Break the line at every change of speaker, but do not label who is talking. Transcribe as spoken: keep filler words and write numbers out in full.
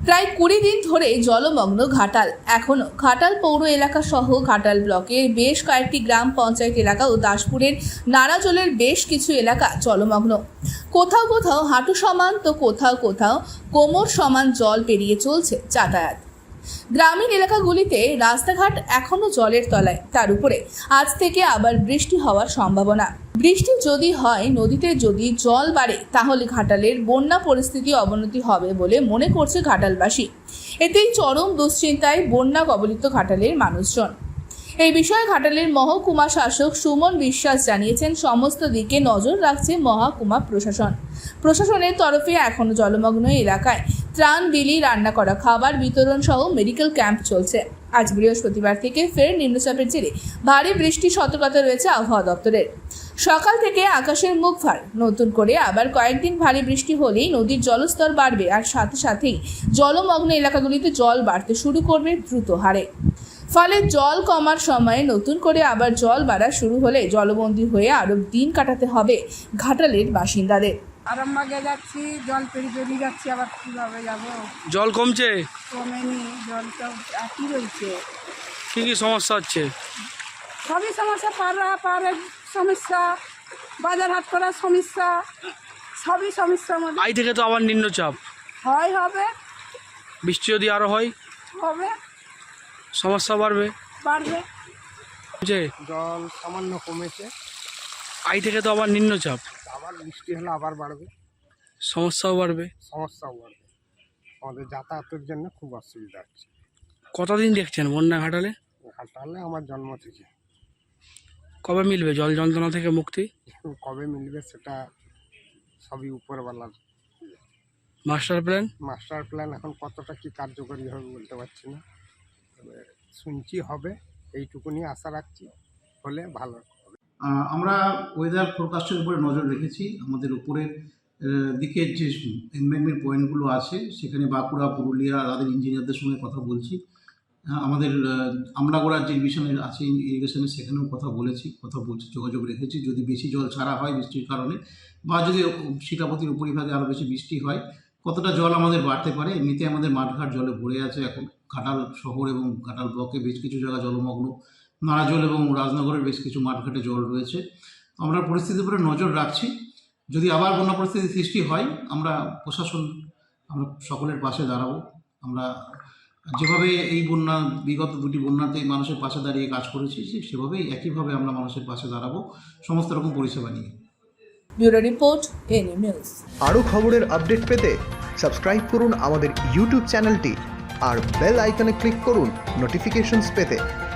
প্রায় কুড়ি দিন ধরে জলমগ্ন ঘাটাল। এখনও ঘাটাল পৌর এলাকা সহ ঘাটাল ব্লকের বেশ কয়েকটি গ্রাম পঞ্চায়েত এলাকা ও দাসপুরের নারাজলের বেশ কিছু এলাকা জলমগ্ন। কোথাও কোথাও হাঁটু সমান তো কোথাও কোথাও কোমর সমান জল পেরিয়ে চলছে যাতায়াত। গ্রামীণ এলাকাগুলিতে রাস্তাঘাট এখনও জলের তলায়, তার উপরে আজ থেকে আবার বৃষ্টি হওয়ার সম্ভাবনা। বৃষ্টি যদি হয়, নদীতে যদি জল বাড়ে, তাহলে ঘাটালের বন্যা পরিস্থিতি অবনতি হবে বলে মনে করছে ঘাটালবাসী। এতেই চরম দুশ্চিন্তায় বন্যা কবলিত ঘাটালের মানুষজন। এই বিষয়ে ঘাটালের মহকুমা শাসক সুমন বিশ্বাস জানিয়েছেন, সমস্ত দিকে নজর রাখছে মহকুমা প্রশাসন। প্রশাসনের তরফে এখনও জলমগ্ন এলাকায় ত্রাণ বিলি, রান্না করা খাবার বিতরণ সহ মেডিকেল ক্যাম্প চলছে। আজ বৃহস্পতিবার থেকে ফের নিম্নচাপের জেরে ভারী বৃষ্টির সতর্কতা রয়েছে আবহাওয়া দপ্তরের। সকাল থেকে আকাশের মুখ ভার, নতুন করে আবার কয়েকদিন ভারী বৃষ্টি হলেই নদীর জলস্তর বাড়বে, আর সাথে সাথেই জলমগ্ন এলাকাগুলিতে জল বাড়তে শুরু করবে দ্রুত হারে। ফলে জল কমার সময়ে নতুন করে আবার জল বাড়া শুরু হলে জলবন্দী হয়ে আরো দিন কাটাতে হবে ঘাটালের বাসিন্দাদের।
আরামবাগে যাচ্ছি, জল পেরিয়ে পেরিয়ে যাচ্ছি, আবার কীভাবে যাবো?
জল কমছে?
কমেনি, জল তো একই রয়েছে।
কী কী সমস্যা হচ্ছে?
সবই সমস্যা, পাড়া পাড়ের সমস্যা, বাজার হাট করার সমস্যা, সবই সমস্যার মধ্যে।
আই থেকে তো আবার নিম্নচাপ
হয়, হবে,
বৃষ্টি যদি আরো হয়
হবে,
সমস্যা বাড়বে
বাড়বে।
যে
জল সামান্য কমেছে,
আই থেকে তো আবার নিম্নচাপ,
আবার বৃষ্টি হলে আবার বাড়বে,
সমস্যাও বাড়বে,
সমস্যাও বাড়বে। আমাদের যাতায়াতের জন্য খুব অসুবিধা হচ্ছে।
কতদিন দেখছেন বন্যা ঘাটালে?
ঘাটালে আমার জন্ম থেকে।
কবে মিলবে জল যন্ত্রণা থেকে মুক্তি?
কবে মিলবে সেটা সবই উপরওয়ালার
মাস্টার প্ল্যান।
মাস্টার প্ল্যান এখন কতটা কি কার্যকরী হবে বলতে পারছি না, তবে শুনছি হবে, এইটুকুনি আশা রাখছি, হলে ভালো হবে।
আমরা ওয়েদার ফোরকাস্টের উপরে নজর রেখেছি। আমাদের উপরের দিকের যে এমব্যাঙ্কমেন্ট পয়েন্টগুলো আছে, সেখানে বাঁকুড়া, পুরুলিয়া, তাদের ইঞ্জিনিয়ারদের সঙ্গে কথা বলছি। আমাদের আমলাগোড়ার যে ডিভিশনের আছে ইরিগেশনের, সেখানেও কথা বলেছি, কথা বলছি, যোগাযোগ রেখেছি। যদি বেশি জল ছাড়া হয় বৃষ্টির কারণে, বা যদি শিলাপতির উপরিভাগে আরও বেশি বৃষ্টি হয়, কতটা জল আমাদের বাড়তে পারে। এমনিতে আমাদের মাঠঘাট জলে ভরে আছে এখন। ঘাটাল শহর এবং ঘাটাল ব্লকে বেশ কিছু জায়গা জলমগ্ন, নারাজল এবং রাজনগরের বেশ কিছু মাঠঘাটে জল রয়েছে। আমরা পরিস্থিতির উপরে নজর রাখছি। যদি আবার বন্যা পরিস্থিতি সৃষ্টি হয়, আমরা প্রশাসন, আমরা সকলের পাশে দাঁড়াবো। আমরা যেভাবে এই বন্যা, বিগত দুটি বন্যাতে মানুষের পাশে দাঁড়িয়ে কাজ করেছি, সেভাবেই একইভাবে আমরা মানুষের পাশে দাঁড়াবো সমস্ত রকম পরিষেবা নিয়ে।
Bureau report, NA news.
আরও খবরের আপডেট পেতে সাবস্ক্রাইব করুন আমাদের ইউটিউব চ্যানেলটি আর বেল আইকনে ক্লিক করুন নোটিফিকেশনস পেতে।